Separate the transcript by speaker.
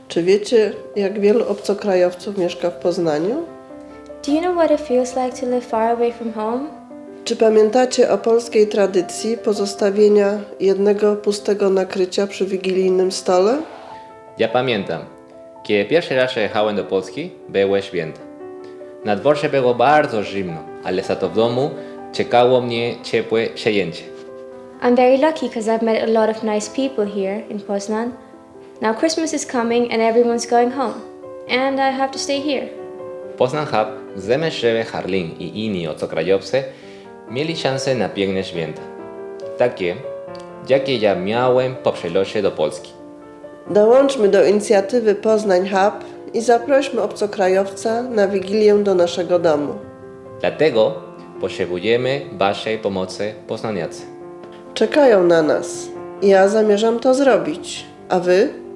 Speaker 1: Czy wiecie, jak wielu obcokrajowców mieszka w Poznaniu?
Speaker 2: Do you know what it feels like to live far away from home?
Speaker 1: Czy pamiętacie o polskiej tradycji pozostawienia jednego pustego nakrycia przy wigilijnym stole?
Speaker 3: Ja pamiętam, kiedy pierwszy raz jechałem do Polski, były święta. Na dworze było bardzo zimno, ale za to w domu czekało mnie ciepłe przyjęcie.
Speaker 2: I'm very lucky because I've met a lot of nice people here in Poznan. Now Christmas is coming and everyone's going home. And I have to stay here.
Speaker 3: Poznań Hub, Zemeszzewe, Harlin i inni obcokrajowcy mieli szansę na piękne święta. Takie, jakie ja miałem po przelocie do Polski.
Speaker 1: Dołączmy do inicjatywy Poznań Hub i zaprośmy obcokrajowca na Wigilię do naszego domu.
Speaker 3: Dlatego potrzebujemy waszej pomocy, poznaniacy.
Speaker 1: Czekają na nas. Ja zamierzam to zrobić. A wy?